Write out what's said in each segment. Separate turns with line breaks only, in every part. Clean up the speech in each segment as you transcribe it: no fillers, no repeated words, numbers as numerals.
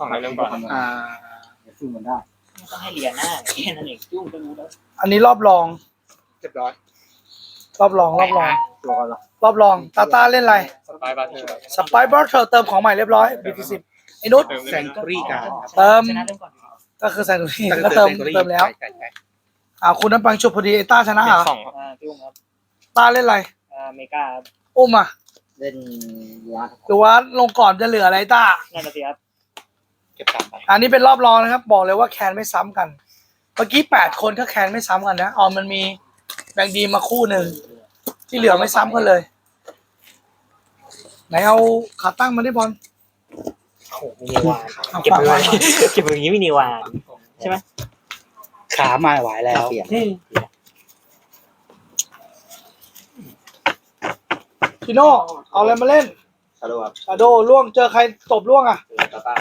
ฝั่งไหนเริ่มก่อน
เดี๋ยวสู้มันได้
ไม่ต้องให้เรียนหน้าแค่นั้นเองจุ้งก็รู้แล้ว
อันนี้รอบรอง
เรียบร้อย
รอบรอง
ตัวก่อนเหรอ
รอบรองตาตาเล่นอะไร
สไปร์บาร์เทอร์
สไปบอร์เธอเติมของใหม่เรียบร้อย BT10 ไอ้นุช
แซงตุรี่กัน
เติม
ชนะเริ่มก่อน
ก็คือแซงตุรี่ก็เติมแล้ว
ใช่
คุณน้ำปังชุบพอดีไอ้ต้าชนะ
เปลี่
เหร
ย
อน
สองครับ
จุ้งครับ
ต้าเล่นอะไร
เมกาครับ
อุ้มอ่ะ
เล่นวัด
หรือว่าลงก่อนจะเหลืออะไรต้า
นั่นน่ะสิครับ
เก็บ3 ใบ
อันนี้เป็นรอบรองนะครับ บอกเลยว่าแคนไม่ซ้ำกัน เมื่อกี้8 คนก็แคนไม่ซ้ำกันนะมันมีแบงค์ดีมาคู่หนึ่งที่เหลือไม่ซ้ำกันเลย ไหนเอาขาตั้งมาได้บอล
โอ้โหมีนิวานเก็บไปไว้เก็บไปอย่างนี้มีนิวานใช่ไหม
ขามาไหวแล้วเปลี่ยน
พี่โน่เอาอะไรมาเล่น
ชาโดว์ครับ
ชาโดล่วงเจอใครตบล่วงอ่ะ
ตาตา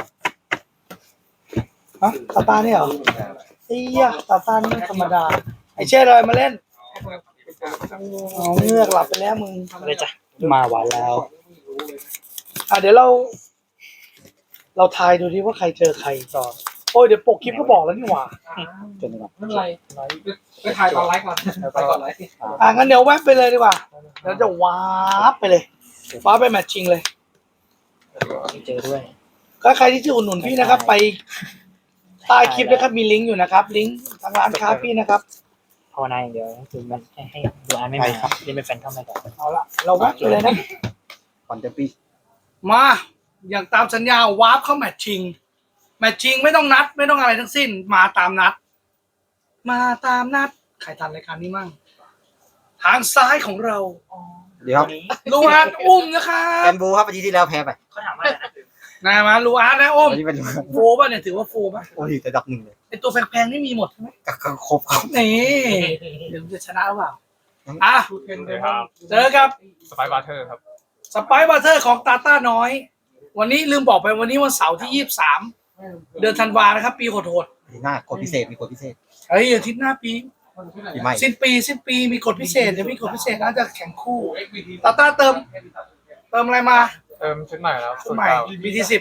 ฮะตาตาเนี่ยเหรอเฮียตาตานี่ไม่ธรรมดา ไอเช่อะไรมาเล่นอ๋อเงือกหลับไปแล้วมึง
เลยจ้ะ
มาไหวแล้ว
เดี๋ยวเราทายดูดิว่าใครเจอใครต่อโอ้ยเดี๋ยวปกคลิปก็บอกแล้วนี่หว่า
จนแบบ
ไม่เป็นไร
ไปถ่ายตอนไลฟ์ก่อนไปก่อนไลฟ์
งั้นเดี๋ยวแวบไปเลยดีกว่าเดี๋ยวจะวาร์ปไปเลยว้าร์ปไปแมตช์ชิงเลย
เจอด้วย
ก็ใครที่จะอุดหนุนพี่นะครับ ไปใต้คลิปนะครับมีลิงก์อยู่นะครับ ลิงก์ทางร้านค้าพี่นะครับ
ภาวนาอย่างเดียวคือมันให้ดูอ่านไม่มาเล่นเป็นแฟนเข้ามาก่อน
เอาละเราแวบไปเลยนะ
ก่อนจะปี
มาอย่างตามสัญญาวาร์ปเข้าแมตช์ชิงแมตช์ชิงไม่ต้องนัด ไม่ต้องอะไรทั้งสิ้น มาตามนัด มาตามนัดใครทันรายการนี้มั่งทางซ้ายของเรา
เดี๋ยวครับ
ลูอาร์ตอุ้มนะครั
แอบ มบูครับอาทิตย์ที่แล้วแพ้ไป
เขาถามว่าอะไรนะ
นะมาลูอาร์ตนะอุ้ม
วันนี้เป็น
โฟป่ะเนี่ยถือว่าโฟป่ะ
โอ้ยระดับ1เลย
ไอตัวแพงๆนี่มีหมดใช่ไหม
ก็ครบครับ
นี่เดี๋ยวจะชนะหรือเปล่าอ่ะ
ครับ
เจอกับ
สไปร์บาร์เทอร์ครับ
สไปซ์บัตเตอร์ของตาต้าน้อย วันนี้ลืมบอกไปวันนี้วันเสาร์ที่23เดือนธันวานะครับ ปีโหด
หน้ากดพิเศษมีกดพิเศษ
ๆเฮ้ยอาทิตย์หน้าปี
ปีใหม่
สิ้นปีมีกฎพิเศษเดี๋ยวมีกฎพิเศษน่าจะแข่งคู่ตาต้าเติมอะไรมา
เติมชุดใหม่แล้ว
ชุดใหม่ BT10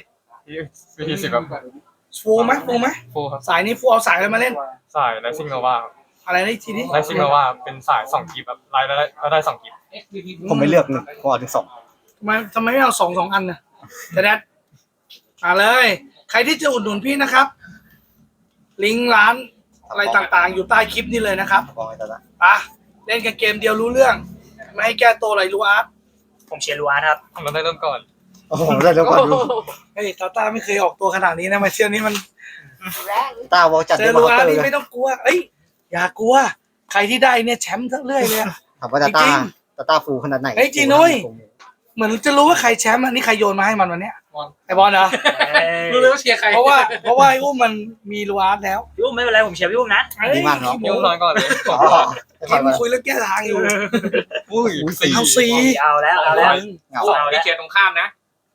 BT10 ครับ
ฟูไหม
ฟูครับ
สายนี้ฟูเอาสายอะไรมาเล่น
สายไลซิงโนวา
อะไรนะอีกทีนี้
ไลซิงโนวาเป็นสาย2กิฟต์แบบไลน์แล้วได้2กิฟต์
ผมไม่เลือก1เพราะถึง2
ทำไมไม่เอาสองอันนะจะแดดเลย ใครที่จะอุดหนุนพี่นะครับ ลิงก์ร้านอะไรต่างๆ อยู่ใต้คลิปนี้เลยนะครับ
บอกไอ้ตาตา
เล่นกันเกมเดียวรู้เรื่อง ไม่ให้แก้ตัวอะไรรู้อาร์ต
ผมเชียร์ลูอาร์ครับ
เราได้เริ่มก่อน
โอ้โหได้แล้วก่อนดู
เฮ้ยตาต้าไม่เคยออกตัวขนาดนี้นะมาเที่ยวนี้มัน
ตาวอลจัด
เจ
ได้
อ
มา
รู้
ส
อา
เต
ร์
อ
ต
ร์
นี่
เลย
ไม่ต้องกลัวเอ้ยอย่ากลัว ใครที่ได้เนี่ยแชมป์ทั้งเรื่อยเลย
ถามว่าตา
จริ
ตาง ฟูขนาดไหน
เฮ้ยจริงนุ้ย เหมือนจะรู้ว่าใครแชมป์อันนี้ใครโยนมาให้มันวันเนี้ยไอบอลเหรอ
รู้เลยว่าเชียร์ใคร
เพราะว่าไอ้อุ้มมันมีรู้อาร์ตแล้ว
พี่อุ้มไม่เป็นไรผมเชียร์พี่อุ้มนะ
ดีมากเนาะ
ยุ่งน้อยก่อนเลย
อ๋อ
คิมคุยแล้วแก้ทางอยู่
อุ้ย
เอาซี
เอาแล้ว
เหงา
เอา
พี่
แล้ว
เขียนตรงข้ามนะ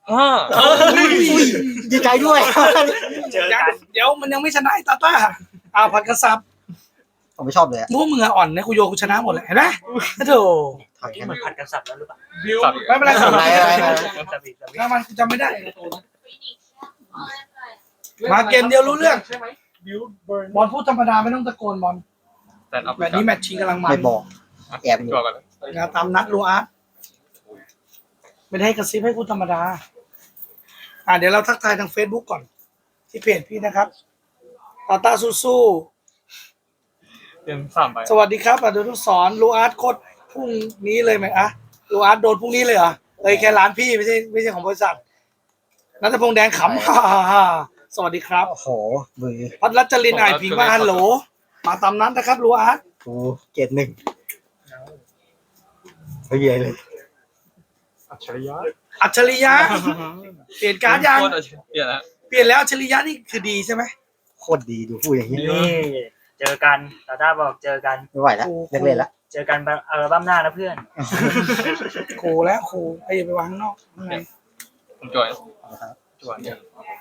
ดีใจด้วย
เจอกัน
เดี๋ยวมันยังไม่ชนะไอ้ตาต้าผัดกระซับ
ผมไม่ชอบเลยอะ
พวกมึงอะอ่อนนะกูโยนกูชนะหมดเลยเห็นไหมโธ่
ถ่าย
ที่
แค่
มั
นั้น น
ผัดกันสับแล้วหรือเปล่า
ไม่เป็นไรสับ
อะไร
สับอีก
ถ้ามันกูจำไม่ได้ มาเกมเดียวรู้เรื่องบอลพูดธรรมดาไม่ต้องตะโกนบอล
แต่เอาไป
แบบนี้แมตช์ชิงกำลังมัน
ไม่บอกแอบอยู่
ตัวก่อนเลย
นะตามนัดรู้อาร์ตไม่ได้ให้กระซิบให้พูดธรรมดาเดี๋ยวเราทักทายทาง Facebook ก่อน ที่เพจพี่นะครับตาต้าสู้
เตรียม3ใบ
ๆสวัสดีครับอดุลสอนรู้อาร์ตโคตรพรุ่งนี้เลยไหมรู้อาร์ตโดนพรุ่งนี้เลยเหรอแค่ร้านพี่ไม่ใช่ของบริษัทนัทพงษ์แดงขำ ฮ่าสวัสดีครับ
โอ้โหมือ
พัทรัชลินไอพิงมาฮัลโหลมาตามนั้นนะครับรู้อาร์ต
กูเกรด1ไม่เยอะเลย
อัจฉริยะ
อัจฉริยะเปลี่ยนการ์ดยัง
โคตรอัจฉริยะแล้ว
เปลี่ยนแล้วอัจฉริยะนี่คือดีใช่ไหม
โคตรดีดูพูดอย่างนี้
นี่เจอกันตาต้าบอกเจอกัน
ไม่ไหวแล้วเลิกเล่นแล้ว
เจอกันอัลบั้มหน้านะเพื่อน
ครูแล้วครูไอ้อย่าไปวางข้างนอกข้างใน
ผมจวยจวนเนี่ย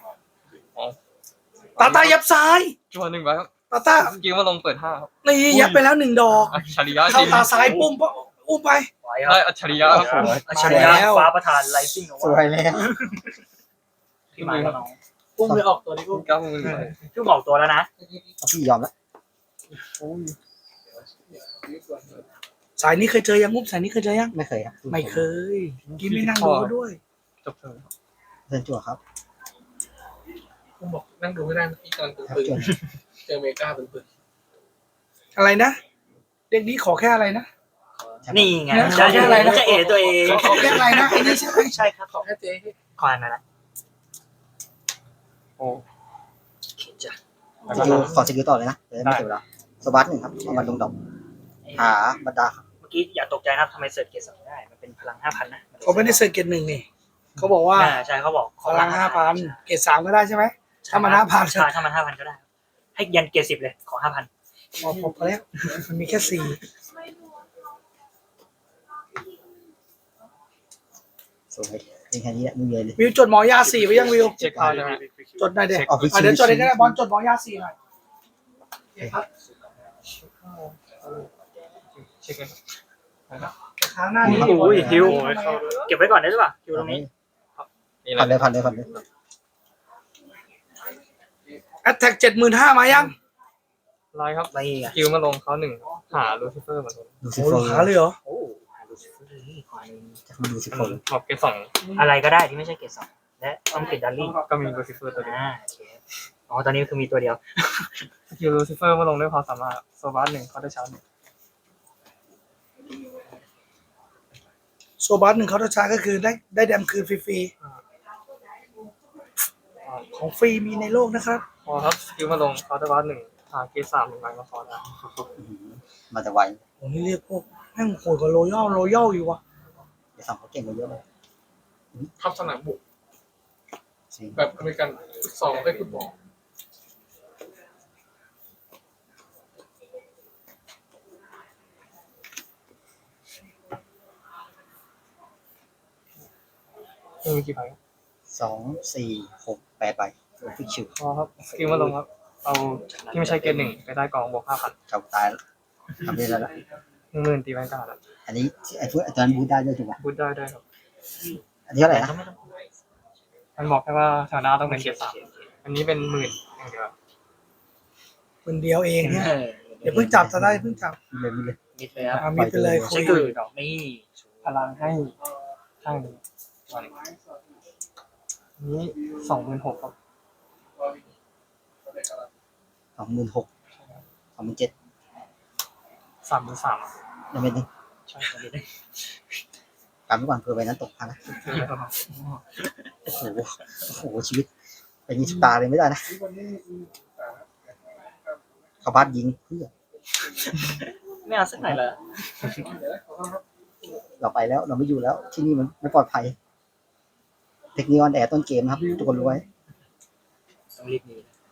ตาตายับซ้าย
จวน1ใบครับ
ตาตา
เมื่อกี้ว่าลงเปิด5ครับ
นี่ยับไปแล้ว1 ดอก
อัจฉริยะจ
เข้า
ริง
ตาซ้ายปุ้มอุ้มไป
ไหวครั
ได้
บ
อัจฉริยะครับผม
อัจฉริยะฟ้าประธานไลซิ่ง
สวยแล้ว
พี่มาแล้วน้อง
อุ้มเลยออกตัวนี้อุ้ม
90,000
พี่บอกตัวแล้วนะ
พี่ยอมแล้ว
สายนี้เคยเจอยังงุ้มสายนี้เคยเจอยัง
ไม่เคยครับ
ไม่เคยกินไม่นั่งดูก็ด้วย
จบเทิร์น
เดินจั่วครับ
อุ้มบอกนั่งดูไม่ได้เมื่อกี้ตอนดู
ครับ
ปืน
จั่ว
เจอเมกาเป็นปืน
อะไรนะเด็กนี้ขอแค่อะไรนะ
นี่ไง
เนี่ย
จะ
ขออะไรนะ
จะเอตัวเอง
ขอแค่อะไรนะไอ้นี่ใช่ไหม
ใช่ครับ
ขอแค่เจ๊ให้
ขออันนั้นนะ
โอ้
เขียนจ้ะ
แล้ว
ส
ก็
กิลขอสกิลต่อเลยนะเดี๋ยวไม่เสียเวลาสวัสดหนึ่งครับเอามาลงดอกหาบรรดาครับ
เมื่อกี้อย่าตกใจนะครับทำไมเสิร์ชเกรด2ได้มันเป็นพลัง 5,000นะ
เขาไม่ได้เซอร์เกตหนึ่งนี่เขาบอกว่า
ใช่เขาบอก
พลัง5,000เกต3ก็ได้ใช่ไหมถ้ามัน5,000
ใช่ถ้ามัน 5,000 ก็ได้ ให้ยันเกรด10เลยขอ 5,000
พอแล้วมันมีแค่4
สวยเป็นแค่นี้แหละไม่มีอะไรเลย
วิวจดหมอยา4ไว้ยังวิว
เช็คเข้าใช่ไหม
จดได้เด็ก
ออกไปชิว
เดี๋ยวจดได้ก็ได้บอลจดหมอยา4หน่อย
เช็คเลยครับ
ครั้งหน้านี้
โอ้ยฮิว เก็บไว้ก่อนได้หรือเปล่าฮิวตรงนี้
นี่แห
พั
ละ
นเลยพันเลยพันเลย
แอตแทก75,000มายัง
ไลน์ครับ
ไม่ไง
คิวมาลงเขา1หาลูซิเฟอร์มาลง
ดูสิ
โอ้
โฟ
โหหาเลยเหรอ
โอ้ดูสินี่ขอหนึ่ง
จะมาดูสิโฟ
บอกเกรดสอง
อะไรก็ได้ที่ไม่ใช่เกรด2และต้องติดดัลลี่
ก็มีลูซิเฟอร์ตัวเดียว
โอเคอ๋อตอนนี้คือมีตัวเดียว
คิวลูซิเฟอร์มาลงด้วยความสามารถโซบัส1เขาได้ชาร์จ1
โซบัส1เขาจะใช้ก็คือได้แดมคืนฟรีๆของฟรีมีในโลกนะครับ
พอครับคิวมาลงเขาได้บัส1หาเกรด3 1ใบมาคอได้
มาแต่ไว
โอ้นี่เรียกพวกแม่งโหดกว่าโรยัลอยู่วะ
เดี๋ยวสั่งเขาเก่งกว่าเยอะเลย
ทับสนามบุก
จริง
แบบอเมริกันฟุตซอลได้ฟุตบอล
มีกี่ใบ
2 4 6 8ใบฟิกชิว
พอครับคิวมาลงครับเอาที่ไม่ใช่เกรด1ไปได้กองบวก 5,000
เก่าตายแล้วทำได้แล้วละ
10,000ตีแวนการ์ดอะ
อันนี้ไอ้พวกอาจารย์บูทได้ด้วยถูกไหม
บูทได้ครับ
อันนี้เท่าไหร่นะ
มันบอกแค่ว่าแถวหน้าต้องเป็นเกรด3อันนี้เป็น10,000อย่างเดียว
คนเดียวเองเนี่ยเดี๋ยวเพิ่งจับจะได้เพิ่งจับ
มีเลยมีเลย
มิดเลยครับ
มีไปเลยคุ
ใช่
ย
คือนี่
พลังให้ข้างนี้นี้26,000ครับ
26,000 27,000
33,000
ยังไม่ได้
ใช่
การไม่ก่อนเผื่อใบนั้นตกพันนะโอ้โหโอ้โหชีวิตเป็นมีสตาร์เลยไม่ได้นะเขาบ้านยิงเพื่อ
ไม่เอาสักหน่อยเหรอ
เราไปแล้วเราไม่อยู่แล้ว ที่นี่มันไม่ปลอดภัย เทคนิคออนแอร์ต้นเกมนะครับทุกคนรู้ไว้
ต้องรีบมี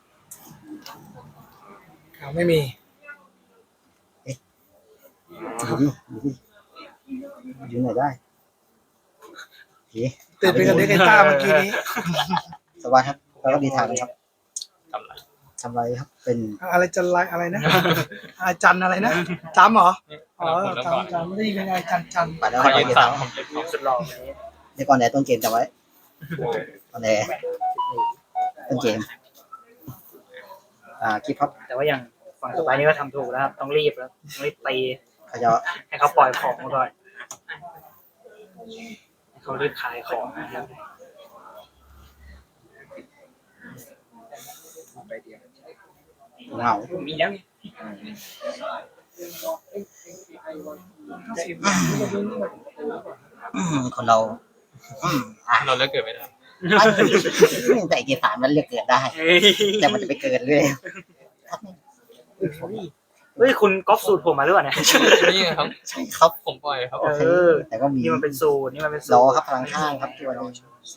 ไม่มี
อยู่ดิอยู่ดิอยู่ไหนได้โอเค
ตื่นไปกับเด็กไอ้ต้าเมื่อกี้นี้
สวัสดีครับแล้วก็ดีทางนะครับ
กำไร
ทำไรครับ เป็น
อะไรจันไรอะไรนะอาจันอะไรนะจำเหรอ
นี่
อ๋อ
ผมเริ่มก่อน
จำไม่ได้ยินยังไงจัน
ไปแล้ว
ขอ
ให้
ยื
ก่อน
น
เดียว
3ผมเก็บ
ของสุดหล่อเลย
เดี๋ยวก่อนแอร์ต้นเกมจำไว้ก่อนแอร์ต้นเกมคลิปครับ
แต่ว่าอย่างฝั่งต่อไปนี่ก็ทำถูกแล้วครับต้องรีบแล้วต้องรีบตี
เขาจะ
ให้เขาปล่อยของมาก่อนให้เขารีบขายของนะครับ
เหงา
มีแล้ว
คนเราอ่ะ
เราเลิกเกิดไม่ได้
แต่เกสารมันเลือกเกิดได้ แต่มันจะไปเกิดเลย
เฮ้ยคุณก๊อปสูตรผมมาหรือเปล่าเนี่ย
นี่ไงครับ
ใช่ครับ
ผมปล่อยครับ
โอเค
เออ
แต่ก็มี
นี่มันเป็นสูตรนี่มันเป็นสูต
ร
ร
อครับพลังข้างครับที่วันนี้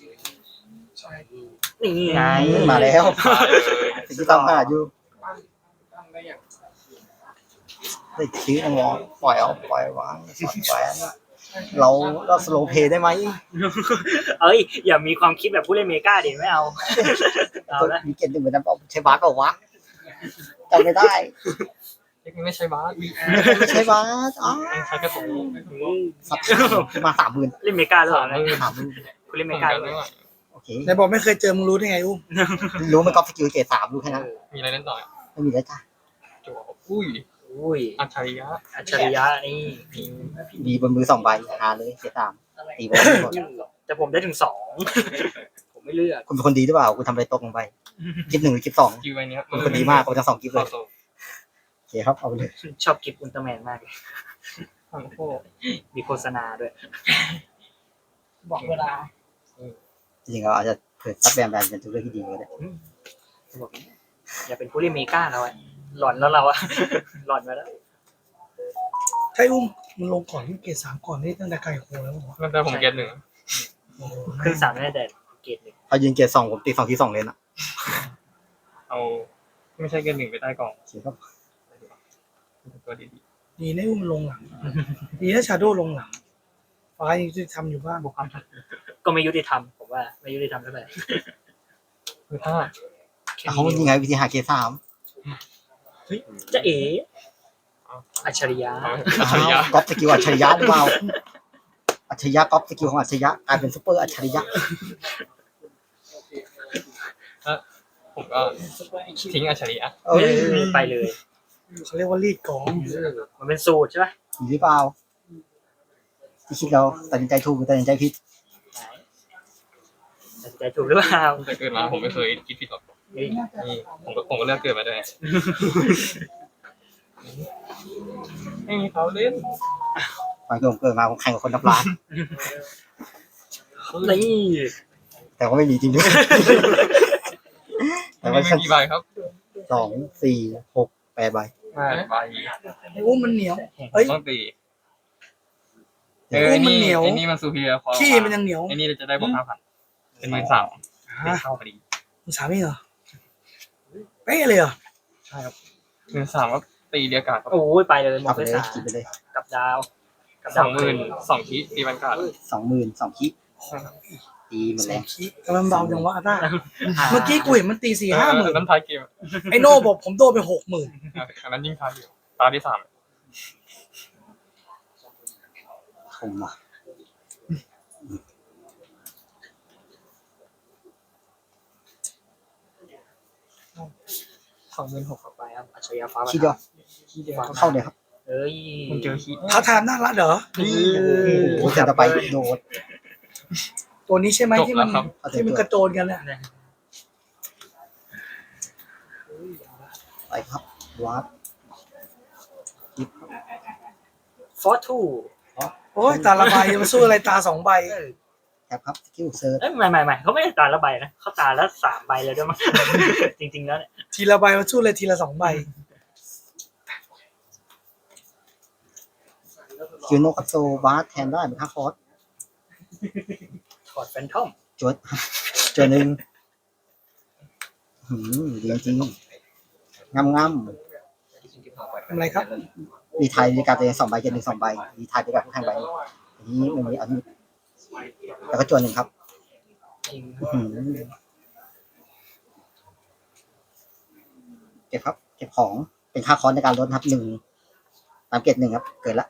นี่ไง
มาแล้วสิ่งที่ต้องหาอยู่
ตั้งได้อย่าง
ได้ชื่อนะวอปล่อยเอาปล่อยวางสอนแหวนเราสโลเพย์ได้ไหม
เอ้ยอย่ามีความคิดแบบผู้เล่นเมกาดิไม่เอาเอาละ
มีเกณฑ์หนึ่งเหมือนนั้นเอาใช้บาสเปล่าวะจำไม่ได้
เล็กไม่ใช่บาส
ไม่ใช้บาสอ๋อ
ใช้กระสุน
สับมา30,000
เล่นเมกาหรือเปล่า
30,000
30,000
คุณเล่นเม
เหมือน
กา
กัน
หรือ
ไม่
เป
ไหว
ล่า
โอเค
ไหนบอกไม่เคยเจอมึงรู้ได้ไงอุ้ม
รู้มันก๊อปสกิลเกรด3รู้แค่นั้น
มีอะไรเล่นต่ออ่ะ
ไม่มีแล้วจ้ะ
จั่วอุ้ย
อุ้ย
อัจฉริยะ
อัจฉริยะนี่
มีบนมือ2 ใบหาเลยเกรด3ตีบอลไม่หมด
แต่ผมได้ถึง 2 ผมไม่เลือก
คุณเป็นคนดีหรือเปล่าคุณทำอะไรตกลงไปกิฟ1หรือกิฟ2
กิวใบเนี้ย
คุณคนดีมากคุณทั้ง2กิฟเลย
โซ่
โอเคครับเอาไปเลย
ชอบกิฟต์อุลตร้าแมนมากเลย
ทั้งโค
มีโฆษณาด้วย
บอกเวลา
จริงๆเราอาจจะเปิดซับแบนเป็นตัวเลือกที่ดีก็ได้
บอกอย่าเป็นผู้เล่นเมกาเราอะหลอนแล้วเราอะ หลอนมาแล้ว
ใช่อุ้มมึงลงก่อนที่เกรด3ก่อนนี่ตั้งแต่ไก่โคแล้วเหรอ
ตั้งแต่ผมเก็ตหนึ่ง
โอ้โห
ขึ้น3ไม่ได้แต่เกรด 1
พอยืนเกรด2ผมตี2ที่2เลนอ่ะ
เอาไม่ใช่เก็ตหนึ่งไปใต้กล่อง
โอเคครับ
ตัวดี
ดีนะอุ้มลงหลัง ดีนะชาโดว์ลงหลังฟ้ายังจะทำอยู่บ้าง
ก็ไม่ยุติธรรมผมว่าไม่ยุติธรรมเท่าไหร่
ๆคือถ้า
แค่
เขา
นี้
ยังไงวิธีหาเกรด3
จะเอ๋อัจฉริยะ
อัจฉริยะ
ก๊อปสกิลอัจฉริยะหรือเปล่าอัจฉริยะก๊อปสกิลของอัจฉริยะกลายเป็นซุปเปอร์อัจฉริยะ
ผมก็ทิ้งอัจฉริยะ
เอ้ย
ไปเลย
เขาเรียกว่ารีดกอง
มันเป็นสูตรใช่ไหม
หรือเปล่าที่คิดเราตัดสินใจถูกหรือตัดสินใจผิด
ตัดสินใจถูกหรือเปล่า
ตั้งแต่เกิดมาผมไม่เคยคิดผิดหรอก
เฮ้ย
นี่ผมก็เลือกเกิดมาด้วยไม่มีเขาเล่น
ตอนที่ผมเกิดมาผมแข่งกับคนนับล้าน
นี่
แต่ว่าไม่มีจริงด้วย แต่
ไม่
ว่า
มีกี่ใบครับ
2 4 6 8 ใบ
5 ใบ
ไอ้อุ้มมันเหนียวเฮ้ย
ต้องตี
เดี๋ยว
ไอ้
มันเหนียว
ไอ้นี่มันซูเพียร์พอ
ขี้มันยังเหนียว
ไอ้นี่จะได้บวก5,000เป็น13,000เป็นเข้าพอดี
มึงสามีเหรอเป๊ะเลยเหรอ
ใช่ครับ13,000ก็ตีเดียกาดครับ
โอ้ยไปเลยหม
เอา
ด
ไป
ไป
เลย
3
กินไปเลย
กับดาวกับ
ส
ดา
อ
ว
งหมื่น2คีตีบันการ์ด
20,000 2คิตีหมด
ส
แร
อง
ง
ขี้กำลังเบาจังวะต้าเมื่อกี้กูเห็นมันตี4-5 หมื่น
นั้นท้ายเกม
ไอ้โน่บอกผมโดนไป60,000
อันนั้นยิ่งท้ายอยู่ตาที่3
คมว่ะ
26,000ไปครับอัจฉริยะฟ้า
คิดเดียว
ขี้เดียว
เข้าเลยครับ
เอ้ย
มันเจอคี
ท้าทายน่ารักเหรอ
โอ้โหจะไปโดด
ตัวนี้ใช่ไหม
จบ
ที่
แล้
มั
วน ครับ
ที่มันกระโจนกันเนี่ย
ไปครับวาร์ป
ฟอร์ทู
โอ้ยตาละใบมาสู้อะไรตา2 ใบ
แท็บครับสกิลเซิร์ช
เอ้ยไม่เขาไม่ได้ตาละใบนะเขาตาละ3 ใบเลยด้วยมั้ง จริงๆแล้วเนี่ย
ทีละใบมาสู้เลยทีละ2 ใบ
สกิลโนกับโซวาร์ปแทนได้เป็น5 คอร์ส
ถอดแฟนทอม
จวดจวดหนึ่งดีจริงงาม
ทำอะไรครับ
ดีไทยดีการตัวเอง2 ใบเกณฑ์1 2 ใบดีไทยดีการผู้แข่งใบอันนี้มันมีอันนี้แล้วก็จวด1ครับ
จริง
เก็บครับ เก็บของเป็นค่าคอร์สในการลดครับ1ตามเกณฑ์1ครับ เกิดละ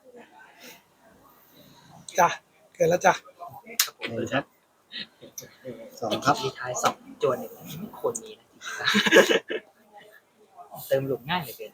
จ้ะเกิดแล้วจ้ะ
1ครับ2ครับ
ทีท้าย2จวน1คนนี้นะเติมหลุมง่ายเหลือเกิน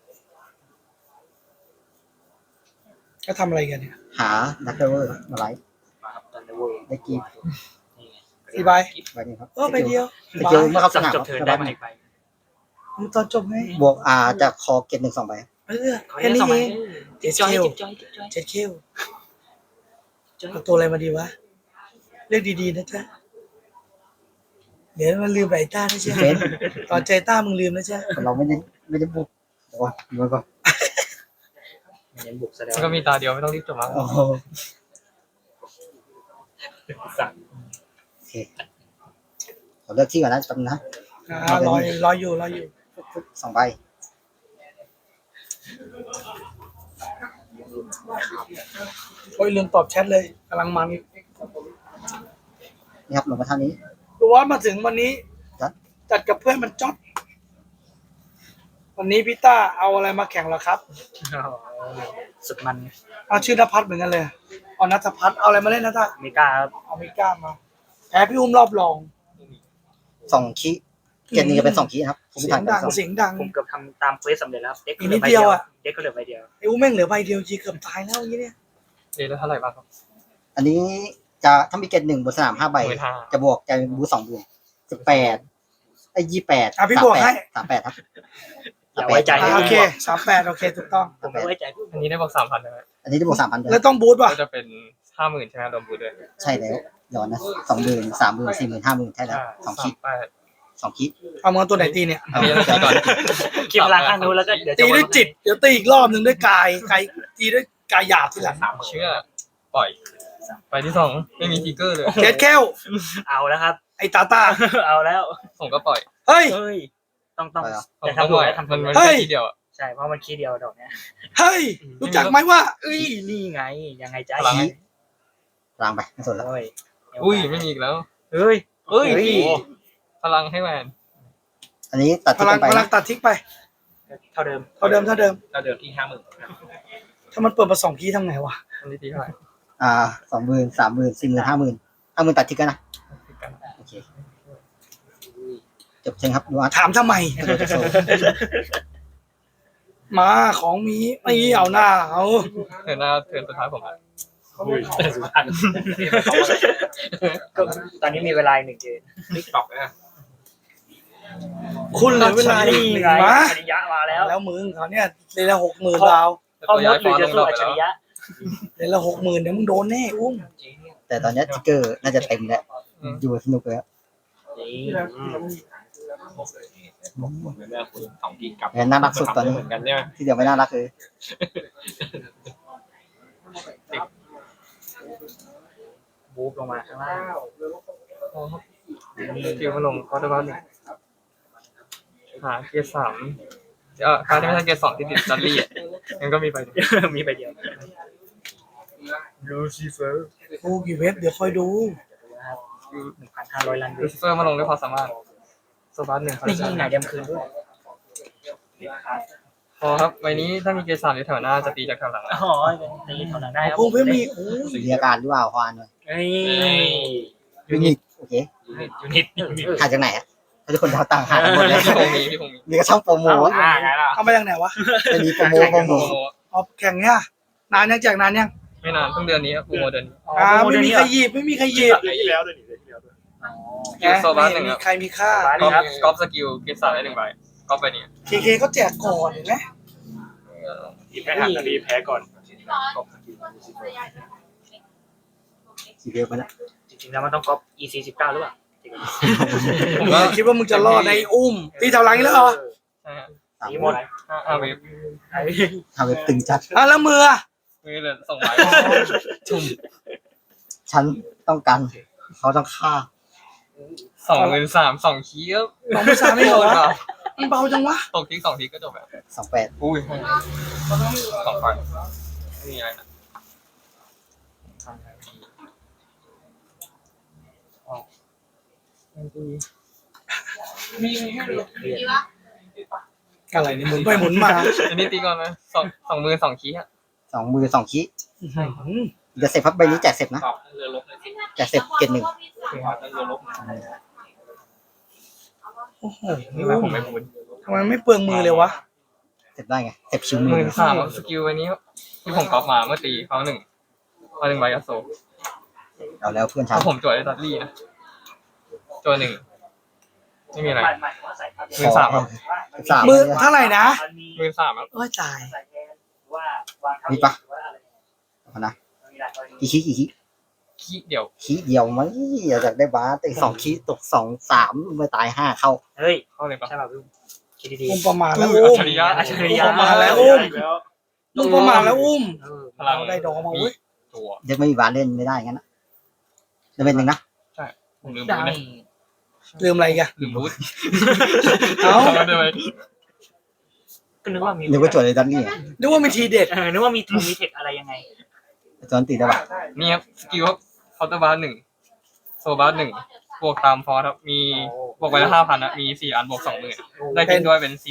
ก็ทำอะไรกันเนี่ย
หาดักเดอร์มาไลฟ์
ตอนนี้เวิร์
ได้กีบ
4 ใบ
ใบนี้ครับ
ใบเดียว
สกิลเมื่อเข้าสนาม
จ
ครับ
เทิร์น
จะ
ได้
ได้
มาอีกใบ
มันตอนจบไง
บวกจากคอเกณฑ์1 2 ใบ
แค่นี้เอง
เจ็บจอย
เจ็ดคิวเอาตัวอะไรมาดีวะเลือกดีๆนะจ๊ะเดี๋ยวมันลืมไอ้ต้านะจ๊ะ
เฟน
ตอนใจต้ามึงลืมนะจ๊ะ
เราไม่ได้บุกเดี๋ยวก่อนดูก่อน
เน้นบุกแสดง
มันก็มีตาเดียวไม่ต้องรีบจบมั้ง
โอ้โห
สั่ง
โอเคขอเลือกที่ก่อนนะจำนะ
รออยู่
2 ใบ
โอ้ยลืมตอบแชทเลยกำลังมัน
นี่ครับลงมาท่านี้
ดูว่ามาถึงวันนี้
จัด
จัดกับเพื่อนมันจ๊อดวันนี้พี่ต้าเอาอะไรมาแข่งเหรอครับ
สุดมัน
เอาชื่อนภัสเหมือนกันเลยเอานัทพัฒน์เอาอะไรมาเล่นนะท่า
เมกา
เอามิก้ามาแพ้พี่อุ้มรอบรอง
2 คีเกณฑ์นี้จะเป็น2 คีครับผม
เสี
ไม่
ย
ทั
ง
นกั
ดั
น
ง
สอง
เสียงดัง
ผมเกือบทำตามเควสสำเร็จแล้วครับเด็ก
อีกนิดเดียวอะ
เด็กก็เหลือใบเดียว
ไอ้อุ้มแม่งเหลือใบเดียวจีเกือบตายแล้วอย่างเงี้ยเนี่ย
เรียนแล้วเท่าไหร่บ้างครับ
อันนี้จะถ้ามีเกณฑ์1บนสนาม5 ใบ
15,000
จะบวกจะบู2 เดือน18ไอ้28
อ่ะพี่บวกให้
38ครับ
อย่าไว้ใจ
โอเค38โอเคถูกต้อง
ผมไม่ไว้ใจผู้
อันนี้ได้บอก3,000เลย
อันนี้ได้บวก 3,000 เดือ
แล้ว
น
ต้องบูทป่ะ
ก็จะเป็น 50,000ใช่ไหมรวมบูธด้วย
ใช่แล้วย้อนนะ20,000 30,000 40,000 50,000ใช่แล้ว2 คี
38
2 คี
เอามาตัวไหนตีเนี่ย
อันนี้จะตีก่อน
คิดพลังข้างนู้นแล้วก็เดี๋ยวจะ
ตีด้วยจิต เดี๋ยวตีอีกรอบหนึ่งด้วยกายตีด้วยกายหยาบทีหลัง
เชื่อปล่อยไปที่2ไม่มีทิกเกอร์เลย
เจ็ดแก้ว
เอาแล้วครับ
ไอ้ตาตา
เอาแล้ว
ผมก็ปล่อย
เฮ้ย
เฮ้ยต้อง
ผม
แต่
ก็
ทำ
ป
ถู
ล่
ก
อย
แล้วทำถู
มัน
ก
มัน
แล้ว
เฮ้
แค่
ย
ทีเดียวอะ
ใช่เพราะมันคีย์เดียวดอกเนี้ย
เฮ้ย รู้จักไหมว่า
เอ้ยนี่ไงยังไงใจ
พลังให้
ล้างไปไม่สนแล้ว
เฮ้ย
อุ้ยไม่มีอีกแล้ว
เฮ้ย
เฮ้ย
เฮ้ย
พลังให้แหวน
อันนี้ตัด
พ
ทิ้ง
ลัง
ไป
พลัง
นะ
ตัดทิ้งไป
เท่าเดิม
เท่าเดิม
ถ้าเดิมที่50,000
ถ้ามันเปิดมา2 คีย์ทำไงวะ
อันนี้ตีเท่าไหร่
20,000 30,000 40,000 50,000 ตัดทิ้งกันนะโอเคจบเชิงครับดูอาร์ต
ถามทำไม
กระโดดจากโซ่
มาของมีไม่เอาหน้าเอา
เทิร์นหน้าเทิร์นสุดท้ายผมอะ
ก็ตอนนี้มีเวลา1 เดือน
ติ๊กต็อกนะ
คุณเหลือเวลาอีก
นี่
หนึ่ง
ไง
มา
อริยะมาแล้ว
แล้วมึงเขาเนี่ยเลยละ 60,000ดาว
พ่อมดหรือจะสู้อัจฉริยะ
เลยละ 60,000เดี๋ยวมึงโดนแน่อุ้ม
แต่ตอนนี้ทิกเกอร์น่าจะเต็มแล้วอยู่สนุกแล้ว
เหมือนเดิมคุณ2 ทีกับ
แอนน่ารักสุดตอนนี้
เหมือนกันใช่ไหม
ที่เดียวไม่น่ารักเลย
บูฟลงมาข้างล่าง
คิวมาลงคอร์ดบ้านหนึ่งหาเกียร์3การที่ไม่ใช่เกียร์2ที่ติดดัลลี่อ่ะมันก็มีไปเดียว
มีใบเดียวลูซิเฟอร์
โอ้กี่เว็บเดี๋ยวคอยดู
1,500 ล้าน
ลูซิเฟอร์มาลงด้วยความสามารถโซบัส1
นี่ไหนเดมคืนด้วย
พอครับใบนี้ถ้ามีเกียร์3อยู่แถวหน้าจะตีจากแถวหลัง
อ๋อในเท่านั้นได้ครับ
พวกเว็บมีโอ้ย
มีอาการหรือเปล่าควานเลย
เฮ้ย
ยูนิตโอเค
ยูนิต
หาจากไหนอ่ะทุกคนดาวต่างหากันหมดเลย
พี่พงมี
นี่ก็ช่องโปรโมท
ไงล่ะ
เอามาจากไหนวะ
ไม่มีโปรโมท
เอาแข่งเนี่ยนานยังแจกนานยัง
ไม่นานเพิ่งเดือนนี้ครับโปรโมเดือนนี้
ไม่มีใครหยิบไม่มีใครหยิบ
ที่แล้วด้วยนี่ที่แล้วด้วย
เกียร์โซบัส
ไม่
1
มี
ครับ
ใครมีค่า
กอล์ฟสกิลเกียร์3ได้1 ใบกอล์ฟไปนี้
เคเขาแจกก่อนเห็นไหม
ทีแพ้หักทีแพ้ก่อน
สีเดียวกันนะ
จริงๆแล้วมันต้องก๊อป EC19 หรือเปล่า
ผมก็
คิดว่ามึงจะรอดในอุ้มตีแถวหลังอีกแล้วเหรอ
ใช่ฮะ
สีหมด
5 เวฟ
ทำเป็นตึงจัด
แล้วมือ
มือเลยส่งไม้ชุ่ม
ฉันต้องการเขาต้องฆ่า
23,000 2คีย์ครับ
น้องไม่สามไม่เหรอวะมันเบาจังวะ
ตกทิ้ง2ทีก็จบแล้ว
28
อุ้ย2 พันนี่อะไรนะ
อะไรเนี่ยหมุนไปหมุนมา
อันนี้ตีก่อนนะ2 มือ2คีย์ฮะ
2 มือ 2 คีจะเสร็จพับใบนี้แจกเสร็จนะ
ตอบเรือลบเลยสิ
แจกเสร็จเกณฑ์ 1
ตอบเรือลบ
โอ้โห
นี่แหละผมไม่พูด
ทำไมไม่เปลืองมือเลยวะ
เสร็จได้ไงเสร็จชิวมือ
13,000สกิลวันนี้ที่ผมก๊อปมาเมื่อตีเขา1ใบกระโซ
เอาแล้วเพื่อนฉั
ถ้าน ผมจวดได้ดัตลี่นะจวด1ไม่มีอะไร 13,000ครับ
3
มือเท่าไหร่นะ
13,000ครับ
โอ้ยตาย
มีปะเอานะกี่คี
คีย์เดียว
คีเดียวไหมอยากได้บาสแต่2 คีตก 2 3ไม่ตาย 5 เข้า
เฮ้ย
เข้าเลยปะ
ใช่ป่ะพี่คิดดี
อุ้มประมาทแล้ว
อั
อุ้
จ
ม
ฉริยะ
ๆอัจฉริยะ
ประมาทแล้วอุ้ม
แล้ว
อุ้มประมาทแล้วอุ้ม
พลัง
เราได้ดอกมาเว้ย
ตัว
เด็กไม่มีบาสเล่นไม่ได้งั้นนะจะเป็นหนึ่งนะ
ผมลืม
ได้
บูทนะ
ลืมอะไรกัน
ลืมบูท
เอ้า
เดี๋ยวไป
ก็นึกว่ามี
นึกว่าโจทย์เลยดันนี่
นึกว่ามีทีเด็ด
นึกว่ามีทูมีเทคอะไรยังไง
จอนตีได้ปะ
นี่ครับสกิลครับเคาน์เตอร์บาร์1โซบาร์1บวกตามฟอร์ครับมีบวกไปละ5,000นะมี4 อันบวก 20,000ได้กินด้วยเป็น 40,000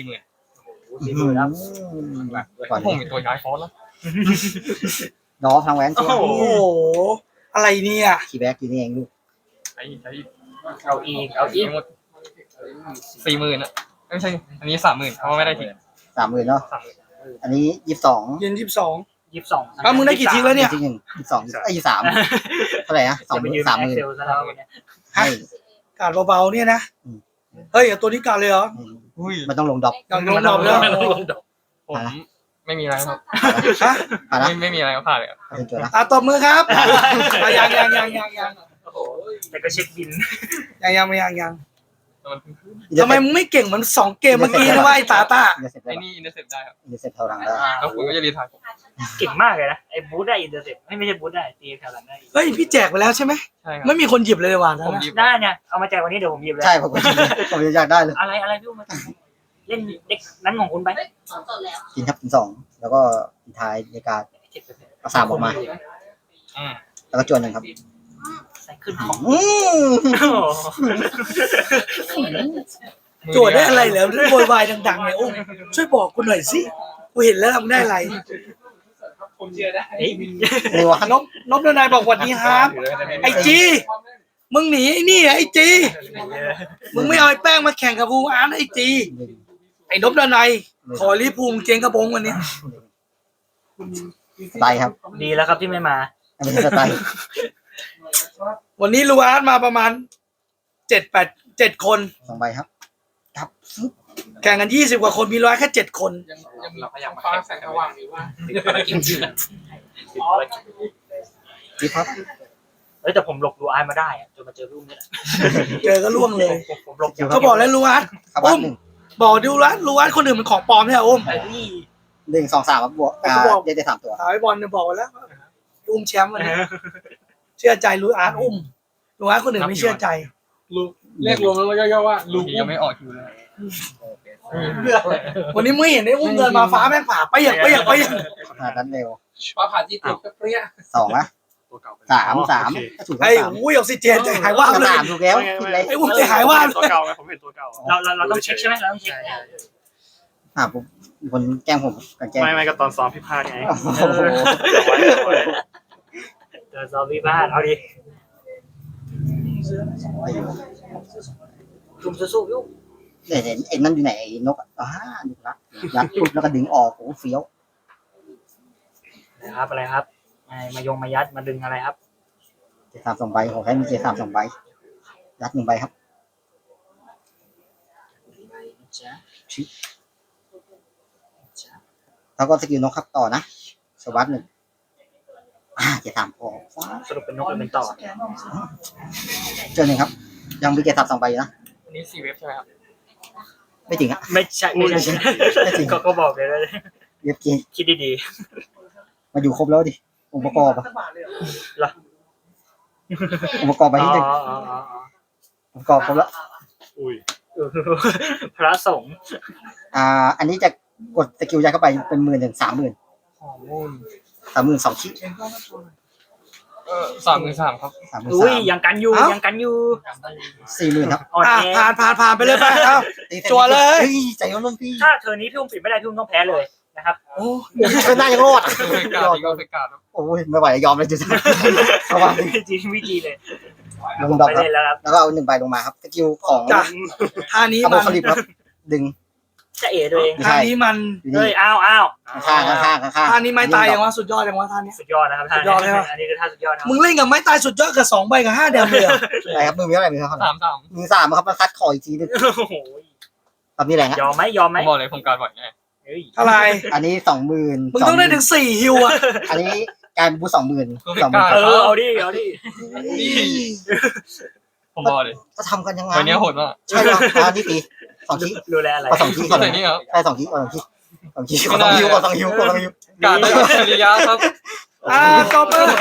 ก่อน
ผมมีตัวย้ายฟอร์แล้ว
น้องทางแหวนช่วย
โอ้โหอะไรเนี่ย
คีย์แบ็กอยู่นี่เองลูก
ใช้
เอาอีก
หมด 40,000อ่ะไม่ใช่อันนี้30,000เพราะว่าไม่ได้ทิ้ง
30,000เนาะ
30,000
อันนี้22
เย็น22
22
แล้วมึงได้กี่ทีแล้วเนี่ย
จริง22 23เท่าไหร่นะ
จะไปยืน
30,000
แอคเซลซะแล้วเนี่ย
ให้
การเบาๆเนี่ยนะ
อืม
เฮ้ยเอาตัวนี้การเลยเหรอ
อุ้ย
มันต้องลงดอก
อย่างลงดอกเลยเหรอ
ผมไม่มีอะไรครับ
ฮะ
ผ่านนะ
ไม่มีอะไรก็ผ่านเลยครับ
ผ่านเป็นตัวนะ
ตบมือครับยัง
แต่ก็เช็คบิน
ยัง
แต่มัน
ทำไมมึงไม่เก่งเหมือน2 เกมเมื่อกี้นะว่าไอ้ตาตา
อินเตอร์เซ็ป
ไอ้นี่อินเตอร์เซ็ปได้ครับ
อินเตอร์เซ็ปเท่าหลังได้
แล้วคุณก็จะรีทายผม
เก่งมากเลยนะไอ้บูธได้อินเตอร์เซ็ปไม่ใช่บูธได้ตีแถวหลังได้
เฮ้ยพี่แจกไปแล้วใช่ไหม
ใช่ครับ
ไม่มีคนหยิบเลยว่ะนะ
ผมหยิบ
ได้เนี่ยเอามาแจกวันนี้เดี๋ยวผมหยิบเลย
ใช่ผมอยากได้เลย
อะไรพี่อุ้มมาเล่นเด็กนั้นของคุณไป
กินครับกิน2แล้วก็ปิดท้ายในการเอา3ออกมา
อืม
แล้วก็จวน1ครับ
ใส่ขึ้นของ
อืม
โจทย์ได้อะไรเหรอโวยวายดังๆเนี่ยโอ้ช่วยบอกกูหน่อยสิกูเห็นแล้วมึงได้อะไร
ผมเชื่อได้
เอ้ย
นี่วะ
นบนายบอกวันนี้ครับไอจีมึงหนีไอ้นี่ไอจีมึงไม่เอาไอ้แป้งมาแข่งกับภูมิอาร์ตไอจีไอ้นบนายขอรีภูมิเจงกระบงวันนี้
สไตล์ครับ
ดีแล้วครับที่ไม่มา
ไม่ใช่สไตล์
วันนี้ลูอาร์ตมาประมาณ7 คน
2ใบครับครับ
แข่งกัน20 กว่าคนมีร้อยแค่7 คน
ยังมีฟ้าแสงสว่างอยู่ว่า
จิ๊บครับ
เอ้ยแต่ผมหลบดูไอมาได้อะจนมาเจอพี่อุ้มนี่แหละ
เจอก็ล่วงเลย
ผมหลบอยู่
เขาบอกแล้วลูอาร์ต
ครับวัด
บอกดูลูอาร์ตคนอื่นมันของปลอมเนี่ยอุ้ม
ไอ้นี่
1 2 3ครับบวกเได้3ตัว
ถามไอ้บอลเนี่ยบอกไว้แล้วอุ้มแชมป์วันนี้เชื่อใจลูอาร์ตอุ้มลูอาร์ตคนอื่นไม่เชื่อใจ
ลูเรียกรวมแล้วย่อๆว่าลู
ทียังไม่ออกคิวเลย
วันนี้ไม่เห็นไอ้อุ้มเดินมาฟ้าแม่งผ่าไปอย่าง
ขนาดนั้นเร็ว
ว่าผ่านที่ติดก็เปรี้ย
2นะ3ก็ถูก
ไอ้
ครับ
อุ้ยออกซิเจนใจหายว่าบเลย
3ถูกแล้วผิดเลย
ไอ้อุ้มใจหายว่าบ
ตัว
เลย
เก่าไงผมเห็นตัวเก่า
เราต้องเช็คใช่ไหมเราต้องเช็ค
ผมคนแกล้งผมกันแกล้ง
ไม่ก็ตอนซ้อมพี่พลาดไง
โอ้โห
เจอซอมบี้บ้านเอาดิจุ่มสู้ๆพี่อุ้ม
เห็นไอ้นั่นอยู่ไหนไอ้นกดูละยัดปุ๊บแล้วก็ดึงออกโอ้เฟี้ยว
นะครับอะไรครับมายัดมาดึงอะไรครับ
7 3 2ใบขอแค่มี7 3 2ใบยัด1ใบครับ
จ๊ะ
แล้วก็สกิลนกครับต่อนะสวัสด1 7 3พอ
สรุปเป็นนกหรือเป็นต่อ
เจอ1ครับ ยังมี7 3 2ใบอยู่นะ
อันนี้4 เว็บใช่ไหมครับ
ไม่จริงอ่ะ
ไม่ใช่ไม่ใช่
ไม่จริง
ก็บอกเลยนะ
เรียบจริง
คิดดี
มาอยู่ครบแล้วดิองค์ประกอบอะ
ๆเหรอ
องค์ประกอบไปที่หนึ่งองค์ประกอบครบแล้ว
อุ้ย
พระสงฆ์
อันนี้จะกดสกิลยัดเข้าไปเป็น10,000 ถึง 30,000 2 ชิ้น
33,000ครับ
อุ้ย
33,000
ยังกันอยู่ยังกันอยู่
40,000ครับ
อ่อนแอ
ผ่านไปเลยไปเอ้า จั่วเลย
ใจร่มพี่
ถ้าเธอนี้พี่อุ้มปิดไม่ได้พี่อุ้มต้องแพ้เลยนะครับ
โอ้
เธอหน้ายังรอด
เฟกการ์ดก็เฟกการ์ดครับ
โอ้ยไม่ไหวยอมเลยจุดระวัง
จริงวิธีเลย
ลงดอก
ไป
ครับ
เล่นแล้วครับ
แล้วก็เอา1ใบลงมาครับสกิลของ
จ้ะท่านี้
อัลโบ
มัน
คาลิปครับดึง
จะเอตัวเอง
ไม่
ท่า
ใช่
นี้มัน
อยู่
เฮ้
นี่
ยอ้าว
ข้าง
ท่านี้ไม่ตายอย่างว่าสุดยอดอย่างว่าท่านี้
สุดยอดนะครับท่าน
สุดยอดเลยว่ะ
อันนี้คือท่าสุดยอดครับ
มึงเล่นกับไม้ตายสุดยอดกับ2 ใบกับ5 แดมเลยเหรอ
อะไรครับมือมีอะไรมือเท่าไหร่
33
มือ3ครับมาคัดคออีกทีนึง
โอ้โห
ตอนนี้แรงอ่ะ
ยอมไหมยอมไห
ผม มบอกเลยผมการบ่อยไง
เฮ้ย
อะไร
อันนี้ 20,000
มึงต้องได้ถึง4 ฮิวอะ
อันนี้การบู20,000
เออเอาดิเอาดิ
ผมบอกเลย
จะทำกันยังไง
วันนี้โหดมาก
ใช่ป่ะอันนี้ตี2ชิ้น
ดูแลอะไร
ก็2ชิ้น
ก็ใส่นี่ครับ
ใช่2ชิ้น2ชิ้น2ชิ้นก็2ชิ้นก็2ชิ้นก็2ชิ้น
การได้อัจฉริยะครับ
ตบมือ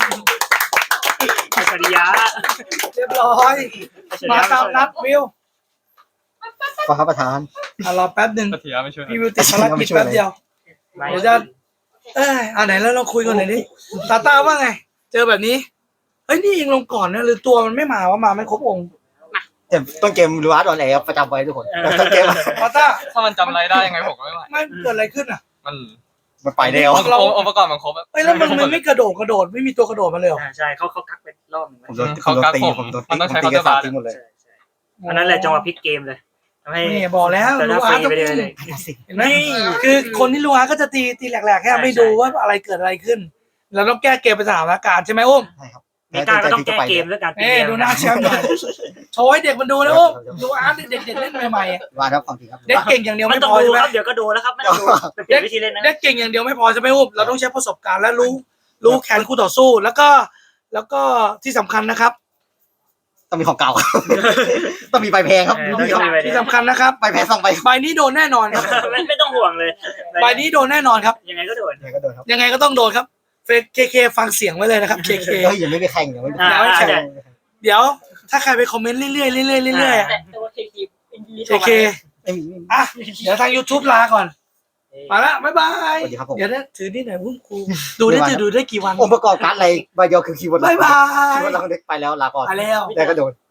อัจฉริยะ
เรียบร้อย มาตามนัดวิว
ขอครับประธาน
รอแป๊บหนึ่ง
อัจฉริยะไม่ช่วย
พี่วิวติดภารกิจแป๊บเดียว เดี๋ยวจะ ไหนแล้วเราคุยกันหน่อยดิตาตาว่าไง เจอแบบนี้เฮ้ยนี่ยิงลงก่อนนะหรือตัวมันไม่มาว่ามาไม่ครบองค์
ต้นเกมรู้ว่าตอนไหนครับประจำไว้ทุกคนต้นเกม
ตาตา
ถ้ามันจำอะไรได้ยังไงผมก็ไม่ไหว
ไม่เกิดอะไรขึ้นอ่ะ
มัน
มันไปแล้ว
องค์ประกอบมันครบ
เฮ้ยแล้วมันไม่กระโดดไม่มีตัวกระโดดมาเลยเหรอ
ใช่เขากักไปรอบหนึ่ง
ผมโดนตีผมโดน
มันต้องใช้
ตี
คา
กัน
ร์บา
3 ทีหมดเลย
อันนั้นแหละจังหวะพลิกเกมเลยทำให้
นี่บอกแล้ว
แต่
ลู
ถ้าก ฟ
อา
รี
ร์ต
ไปเลย
เห็นไหมคือคนที่ลูกอาร์ตก็จะตีแหลกๆแค่ไม่ดูว่าอะไรเกิดอะไรขึ้นเราต้องแก้เกมเป็นสถานการณ์ใช่ไหมอุ้ม
ใช่ครับ
เมกาก็ต้องแก้เกมด้วยการตี
เอ้
เกม
ดูหน้าแชมป์หน่อยโชว์ให้เด็กมันดูนะอุ้มลูกอาร์ตเด็กๆเล่นใหม่ๆอะ
ว่าครับความจริงครับ
เด็กเก่งอย่างเดียว
ไม่
ไม่
ต้อ
พ
ง
อ
ดู
ใช่ไหม
ครับเดี๋ยวก็โดนแล้วครับไม่ต้องดูเปลี่ยนวิธีเล่นนะ
เด็กเก่งอย่างเดียวไม่พอใช่ไหมอุ้มเราต้องใช้ประสบการณ์และรู้แขนคู่ต่อสู้แล้วก็ที่สำคัญนะครับ
ต้องมีของเก่า ต้องมีใบแพงครับ
ที่สำคัญนะครับ
ใบแพง2ใบ
ใบนี้โดนแน่นอนครับ
ไม่ต้องห่วงเลย
ใบนี้โดนแน่นอนครับ
ยังไงก็โดน
ยังไงก็โดนครับ
ยังไงก็ต้องโดนครับเคฟังเสียงไว้เลยนะครับเค
เฮ้ยยังไม่ไปแข่งยังไม่ไป
อ่า
แข่ง
ใช่
เดี๋ยวถ้าใครไปคอมเมนต์เรื่อยๆเรื่อยๆเรื่อยๆอะ
แต่ตัวเค
ไม่มี
อ่ะเดี๋ยวทาง YouTube ลาก่อนมาละบ๊ายบาย
สวัสดีครับผม
เดี๋ยวนะถือนี่หน่อยพุ่งครูดูได้ดูได้กี่วัน
องค์ประกอบการ์ดอะไรใบเดียวคือคีย์เวิร์ด
บ๊ายบาย
คีย์เวิร์ดเราเด็กไปแล้วลาก่อน
ไปแล้ว
แต่ก็โดน